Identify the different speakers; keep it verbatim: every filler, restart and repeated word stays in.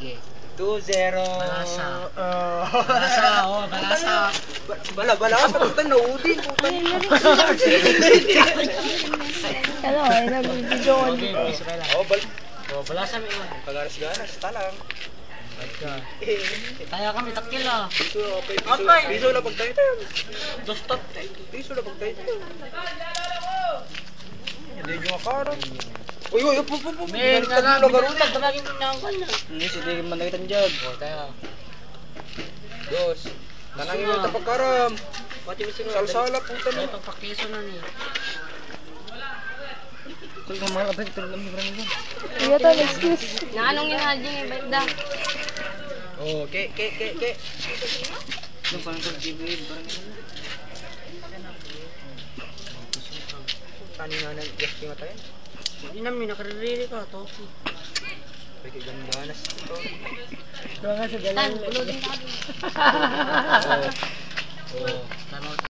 Speaker 1: Sige.
Speaker 2: two zero.
Speaker 1: Balasa.
Speaker 2: Oh.
Speaker 1: Balasa, oh, balasa.
Speaker 2: Ba- Bala, bala ka, putan na udin, putan.
Speaker 3: Ano, ay nag-video ko
Speaker 1: Okay,
Speaker 3: dito.
Speaker 1: Israel.
Speaker 2: Oh, bal.
Speaker 1: Oh, balasa mo iwan.
Speaker 2: Kagaras-garas, talang.
Speaker 1: Okay. Kaya kami takil ah.
Speaker 2: Piso, okay, piso,
Speaker 1: Apay.
Speaker 2: piso na pagtayo tayo.
Speaker 1: Dos top.
Speaker 2: Piso na pagtayo tayo. Hindi nyo makaroon. Uy, uy, upo, upo, upo.
Speaker 1: Men,
Speaker 2: Binaliktad
Speaker 1: nga
Speaker 2: mo lagaron.
Speaker 1: binaliktad, balagin mo na ang kanya.
Speaker 2: Hindi, sige man nakitan dyan.
Speaker 1: Oh, tayo.
Speaker 2: Dos. Tanangin mo ito pagkaram.
Speaker 1: Pati mo sino?
Speaker 2: Salsala, puta
Speaker 1: Ay,
Speaker 2: na.
Speaker 1: pagpakiso na ni.
Speaker 2: Kung ka mga kapit, pero namin marami ba?
Speaker 3: Iya to, excuse.
Speaker 4: Naanong yung hajing eh, ba't da?
Speaker 2: Oh, ke, ke, ke, ke. Yung parang sa G B A, parang gano'n. Tani na nang gasting mata yan.
Speaker 1: Hindi namin nakarili ka, Toki.
Speaker 2: Pwede gandanas ito.
Speaker 1: Doon nga sa
Speaker 4: Tan, ulodin ka.
Speaker 2: Oh.
Speaker 1: Oh, tanaw